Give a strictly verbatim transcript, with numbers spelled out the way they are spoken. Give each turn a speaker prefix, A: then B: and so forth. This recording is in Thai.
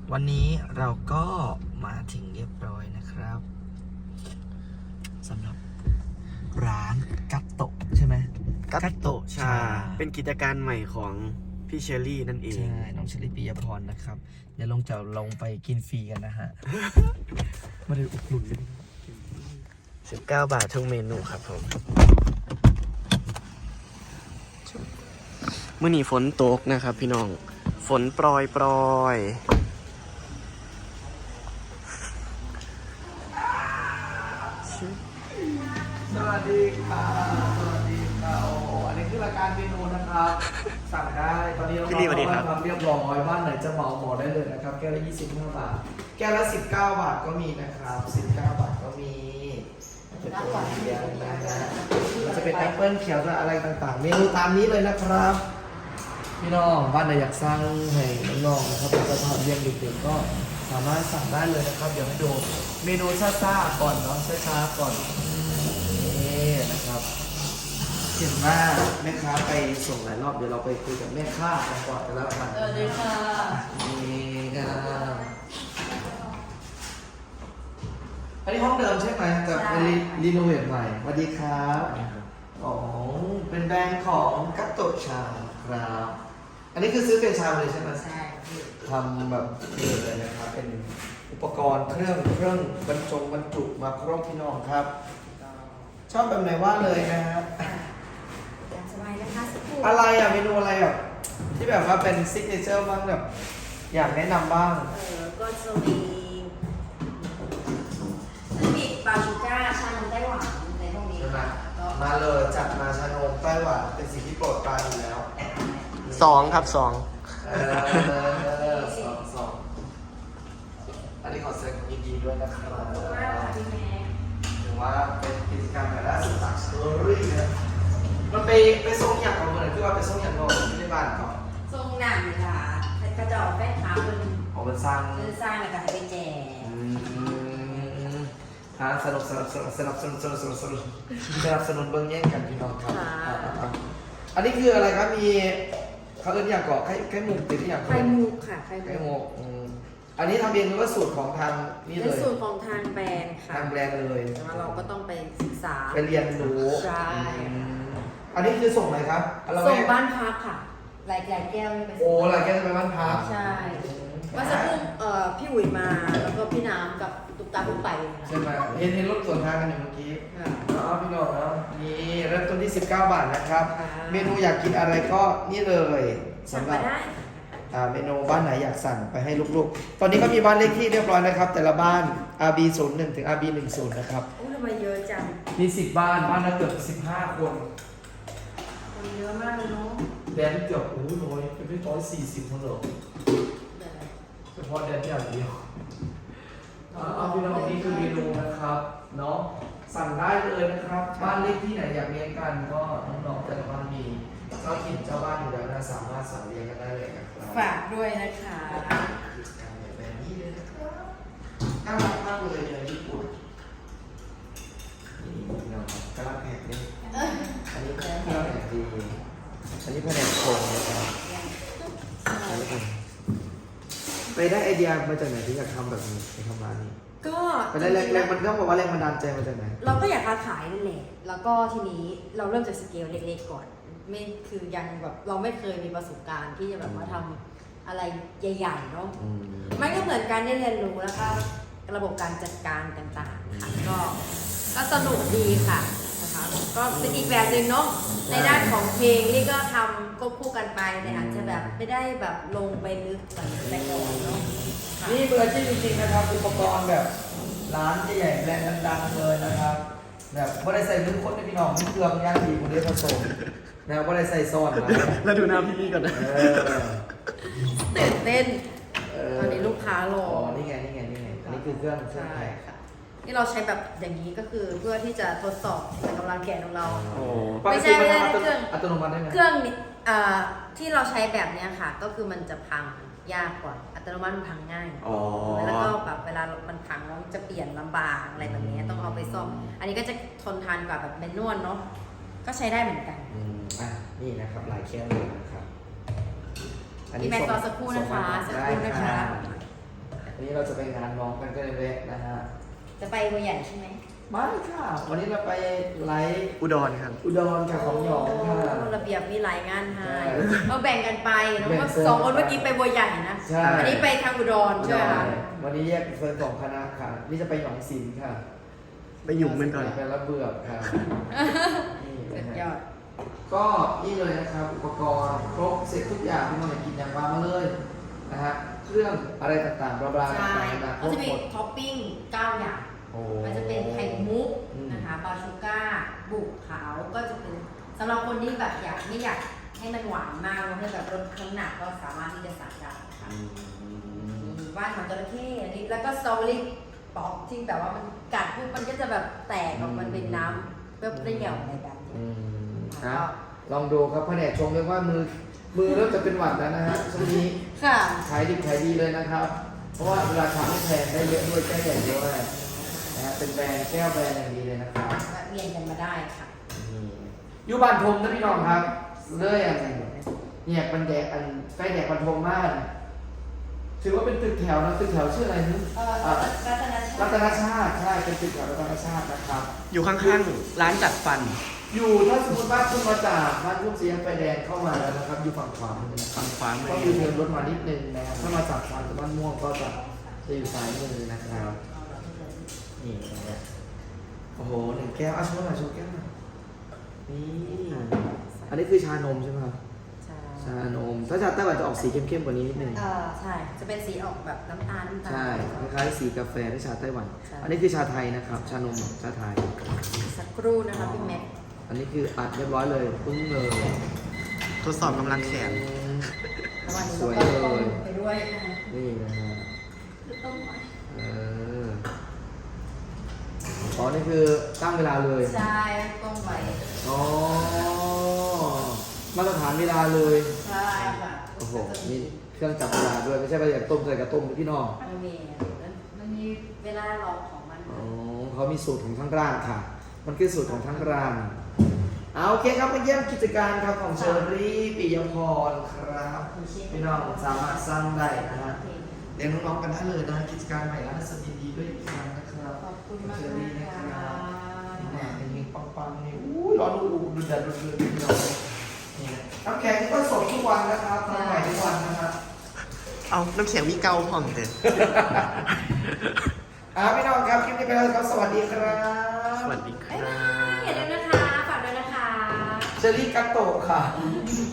A: วันนี้เราก็มาถึงเรียบร้อยนะครับสำหรับร้านกัตโตะใช่ไหมกัตโตะชา
B: เป็นกิจการใหม่ของพี่เชอรี่นั่นเอง
A: ใช่น้องเชลิปิยพรนะครับเดี๋ยวลงจะลงไปกินฟรีกันนะฮะมาเลยอุดหนุนเลย
B: สิบเก้าบาททุกเมนูครับผมเมื่อนี้ฝนตกนะครับพี่น้องฝนปรอยปรอย
A: สวัสดีค่ะสวัสดีค่ะโอ้โหอันนี้คือรายการเมนูนะครับสั่งได้ตอนนี้เราทำเรียบร้อยบ้านไหนจะเหมาเหมาได้เลยนะครับแก้วละยี่สิบห้าบาทแก้วละสิบเก้าบาทก็มีนะครับสิบเก้าบาทก็มีเป็นตัวเขียวนะฮะมันจะเป็นแอปเปิ้ลเขียวอะไรต่างๆเมนูตามนี้เลยนะครับพี่น้องบ้านไหนอยากสร้างให้น้องๆนะครับเป็นสถานเลี้ยงเด็กๆก็สามารถสั่งได้เลยนะครับเดี๋ยวให้ดูเมนูซ่าๆก่อนเนาะช้าๆก่อนนี่นะครับเห็นว่าแม่ค้าไปส่งหลายรอบเดี๋ยวเราไปคุยกับแม่ค้ากันก่อนกันแล้วกัน
C: สวัสดีค่ะ
A: นี่ครับอันนี้ห้องเดิมใช่ไหมกับรีโนเวทใหม่สวัสดีครับอ๋อเป็นแบรนด์ของกัตโตะชาครับอันนี้คือซื้อเป็นชามเลยใช่ไหม
C: ใช่
A: ทำแบบนี้เลยนะครับเป็นอุปกรณ์เครื่องเครื่องบรรจงบรรจุมาครบพี่น้องครับชอบแบบไหนว่าเลยนะฮะ
C: สบายนะคะสักครู่
A: อะไรอ่ะเมนูอะไรอ่ะที่แบบว่าเป็นซิกเนเจอร์บ้างแบบอยากแนะนำบ้าง
C: เออก็จะมีน้ำพริกปลาชูก้าชานมไต้หวันในพวกนี้ค่ะ
A: มาเลยจัดมาชานมไต้หวันเป็นสิ่งที่โปรดปรานอยู่แล้ว
B: สองครับสอง
A: เออสองสองอันนี้ขอแสดงความยินดีด้วยนะครับ
C: ขอบคุณมากค่ะพี่แม่
A: ถือว่าเป็นกิจกรรมแบบล่าสุดจากสตอรี่นะมันไปไปส่งอย่างของเมืองที่ว่าไปส่งอย่างนอกที่ในบ้านก่อน
C: ทรงหนังเลยค่ะกระจอกแป้งขาวมัน
A: ของมันสร้าง
C: มันสร้างแล้วก็ให้ไปแจก
A: ฮะสนุกสนุกสนุกสนุกสนุกสนุกสนุกสนุกสนับสนุนเบื้องแย่งกันพี่น้องครับอันนี้คืออะไรครับมีเขาเอิ้นอย่างเกาะไข่ไข่มุกติดที่อย่าง
C: ไข่มุกค่ะไข่
A: ไข่มุกอันนี้ทำเองหรือว่าสูตรของทางนี่เลย
C: เป็นสูตรของทางแบรนด์ค่ะ
A: ทางแบรนด์เลย
C: แต่ว่าเราก็ต้องไปศึกษา
A: ไปเรียนรู้
C: ใช่
A: อันนี้คือส่งไหนครับ
C: ส่งบ้านพักค่ะหลายหลายแก้วนี่ไป
A: โอ้หลายแก้วจะไปบ้านพัก
C: ใช่ว่าสักครู่เอ่อพี่อุ๋ยมาแล้วก็พี่น้ำกับตุ๊กตาตุ๊กไป
A: ใช่ไหมเห็นเห็นรถสวนทางกันอยู่เมื่อกี้อ๋อพี่น้องนะนี่เริ่มต้นที่สิบเก้าบาทนะครับเมนูอยากกินอะไรก็นี่เลยสำหรับเมนูบ้านไหนอยากสั่งไปให้ลูกๆตอนนี้ก็มีบ้านเลขที่เรียบร้อยนะครับแต่ละบ้าน อาร์ บี ศูนย์หนึ่ง ถึง อาร์ บี หนึ่งสิบ นะครับ
C: โอ้ทำไมเยอะจัง
A: มีสิบบ้านบ้านละเกือบสิบห้าคน
C: คนเยอะมากเลยเนาะ
A: แดนเกือบโอ้โหน้อยเป็นไม่ร้อยสี่สิบคนเหรอเฉพาะแดนที่อย่างเดียวเอาพี่น้องนี่คือเมนูนะครับเนาะสั่งได้เลยนะครับบ้านเลขที่ไหนอยากเรียนกันก็น้องๆแต่ละบ้านมีเจ้าถิ่นเจ้าบ้านอยู่แล้วนะสามารถสั่งเรียนกันได้เลยนะครับ
C: ฝากด้วยนะคะ
A: แบบนี้เลยนะครับน่ารักมากเลยในญี่ปุ่นนี่พี่น้องครับกระลาแผกนี่อันนี้กระลาแผกดีอันนี้แผนกโครงนะครับไปได้ไอเดียมาจากไหนที่อยากทำแบบนี้ในทำร้านนี้
C: ก็
A: ไปได้แรงแรงมันต้องบอกว่าแรงบันดาลใจมาจากไหน
C: เราก็อยากค้าขายนั่นแหละแล้วก็ทีนี้เราเริ่มจากสเกลเล็กๆก่อนไม่คือยังแบบเราไม่เคยมีประสบการณ์ที่จะแบบมาทำอะไรใหญ่ๆเนาะมันก็เหมือนการได้เรียนรู้แล้วก็ระบบการจัดการต่างๆค่ะก็ก็สนุกดีค่ะนะคะก็เป็นอีกแบบหนึ่งเนาะในด้านของเพลงนี่ก็ทำควบคู่กันไปแต่อาจจะแบบไม่ได้แบบลงไปลึกเหมือนแต่ก่อนเนาะ
A: นี่เบอร์ที่จริงๆนะครับอุปกรณ์แบบร้านใหญ่ๆแบรนด์ดังๆเลยนะครับแบบไม่ได้ใส่ลึกคนในพี่น้องมีเครื่องย่างดีคุณได้ผสมนะไม่ได้ใส่ซอสนะ
B: แล้วดูหน้าพี่นี่ก่อนนะ
C: ตื่นเต้นตอนนี้ลูกค้ารอ
A: อ๋อนี่ไงนี่ไงนี่ไงอันนี้คือเครื่อง
C: ใช่ค่ะที่เราใช้แบบอย่างนี้ก็คือเพื่อที่จะทดสอบกำลังแขนของเราไม่ใช่ไม่ใช่เครื่อง
A: อัตโนมัติได้ไหม
C: เครื่องที่เราใช้แบบนี้ค่ะก็คือมันจะพังยากกว่าอัตโนมัติมันพังง่ายแล้วก็แบบเวลามันพังแล้วจะเปลี่ยนลำบากอะไรแบบนี้ต้องเอาไปซ่อมอันนี้ก็จะทนทานกว่าแบบแมนนวลเนาะก็ใช้ได้เหมือนกัน
A: อืมอ่ะนี่นะครับหลายเครื่องเลยนะครับ
C: อันนี้แม่ต่อสักครู่นะคะสักครู่นะคะ
A: วันนี้เราจะไปงานน้องกันก็เลยแวะนะฮะ
C: จะไปบัวใหญ่ใช่ไหม
A: ไม่ค่ะ วันนี้เราไปไลฟ์
B: อุดรครับ
A: อุดรกับของหยองค่ะ
C: โอ้ระเบียบมีหลายงานให้
A: ใช่
C: เราแบ่งกันไปเนอะ
A: แบ่ง
C: ว่า
A: เส้น
C: สองคนเมื่อกี้ไปบัวใหญ่นะ
A: ใช่
C: อันี้ไปทางอุดรใช่ไหมคะ
A: วันนี้แยกเฟิร์นสองคณะค่ะ นี่จะไปหนองสินค่ะ
B: ไปหยุ่มมันก่อน
A: ไปรับเบือกค่ะนี่
C: สุ
A: นะ
C: ด
A: ฮะ
C: ยอด
A: ก็นี่เลยนะครับ อุปกรณ์ครบเสร็จทุกอย่างที่มันอยากกินอย่างวางมาเลยนะฮะเครื่องอะไรต่างๆบลาบลา
C: ใช่
A: ต่างๆนะคร
C: ก็
A: บ
C: จะมี
A: หมด
C: ท็อปปิ้งเก้าอย่าง
A: โอ้
C: มันจะเป็นไข่มุก
A: อืม
C: นะคะบาชูก้า บุกขาวก็จะเป็นสำหรับคนที่แบบอยากไม่อยากให้มันหวานมากแล้วให้แบบลดน้ำหนักก็สามารถที่จะสั่งได้ค่ะมีว่านหางจระเข้อันนี้แล้วก็สตรอเบอรี่ป๊อกที่แบบว่ามันกัดปุ๊บมันก็จะแบบแตกออกมันเป็นน้ำเปรี้ยวๆอะไรแบบนี้
A: อืม
C: ค่ะ
A: ครับลองดูครับแผนกชงเรียกว่ามือมือเริ่มจะเป็นหวัดแล้วนะฮะช่วงนี้
C: ค่ะ
A: ขายดิบขายดีเลยนะครับ เพราะว่าราคาไม่แพงได้เยอะด้วยแก้วใหญ่ด้วยนะฮะเป็นแบรนด์แก้วแบรนด์อย่างดีเลยนะครับ
C: แวะเวียนกันมาได้ค่ะ
A: อยู่บ้านทมนะพี่น้องครับเลื่อยอันเนี่ยมันแดกอันใกล้แดกบันทมมากถือว่าเป็นตึกแถวนะตึกแถวชื่ออะไรนึ
C: เอ่อรัตนชา
A: รั
C: ติ
A: ตนชาติใช่เป็นตึกแถวรัตนชาตินะครับ
B: อยู่ข้างๆ ร้านจัดฟัน
A: อยู่ถ้าสมมติบ้านคุณมาจากบ้านคุณเสียงไฟแดงเข้ามาแล้วนะครับ อยู่ฝั่งขวามือนะครับ
B: ฝั่งขวามือ
A: ก็อยู่เดินรถมานิดนึงนะครับถ้ามาจากฝั่งบ้านม่วงก็จะจะอยู่ซ้ายมือนะครับนี่นะฮะโอ้โหหนึ่งแก้วอ่ะชมหน่อยชมแก้วหน่อยนี่อันนี้คือชานมใช่ไหมครับ
C: ใช่
A: ชานม ถ้าชาไต้หวันจะออกสีเข้มๆกว่านี้นิดนึง
C: เออใช่ จะเป็นสีออกแบบน้ำตาลน้ำตาล
A: ใช่คล้ายๆสีกาแฟที่ชาไต้หวัน
C: ใช่
A: อันนี้คือชาไทยนะครับ ชานมชาไทย
C: สักครู่นะคะพี่แม็ก
A: อันนี้คืออัดเรียบร้อยเลยปึ้งเลย
B: ทดสอบกำลังแขน
C: ระหว่างนี้
A: ส
C: เรา
A: วย
C: ก็
A: เล
C: ต้ม
A: ย
C: ไปด้วยนะคะ
A: นี่นะฮะ
C: ต้มหน่อย
A: เอออ๋อนี่คือตั้งเวลาเลย
C: ใช่ต้มไป
A: อ๋อมาตรฐานเวลาเลย
C: ใช่ค่ะ
A: โอ้โหนี่เครื่องจับเวลาด้วยไม่ใช่ไปอยากต้มใส่กระต้มพี่น้อง
C: มันมีมันมีเวลาหลอกของมัน
A: อ๋อเขามีสูตรของทั้งร้านค่ะ มันคือสูตรของทั้งร้านเอาโอเคครับมาเยี่ยมกิจการครับของเชอรี่ปิยพรครับพี่น้องสามารถสร้างได้นะฮะเรียนน้องๆกันได้เลยนะกิจการใหม่ร้านสดีดีด้วยอีกครั้งนะครับ
C: ขอบคุณมาก
A: เชอรี่นะ
C: ค่ะ
A: ครับนี่แหละเป็นเพลงปังๆนี่อู้ยร้อนดูดูดันดูดูพี่น้องนี่นะน้ำแข็งก็สดทุกวันนะครับทำใหม่ทุกวันนะครับ
B: เอาน้ำแข็งมีเกาพร้อมเด็ด
A: อ่าพี่น้องครับคลิปนี้ไปแล้วครับสวัสดีครับ
B: สวัสดีค
C: บ๊าย
B: รั
C: บาย
B: บ
C: อย่าลืมนะคะ ฝากด้วยนะคะ
A: เชอรี่กัตโตะค่ะ
C: บ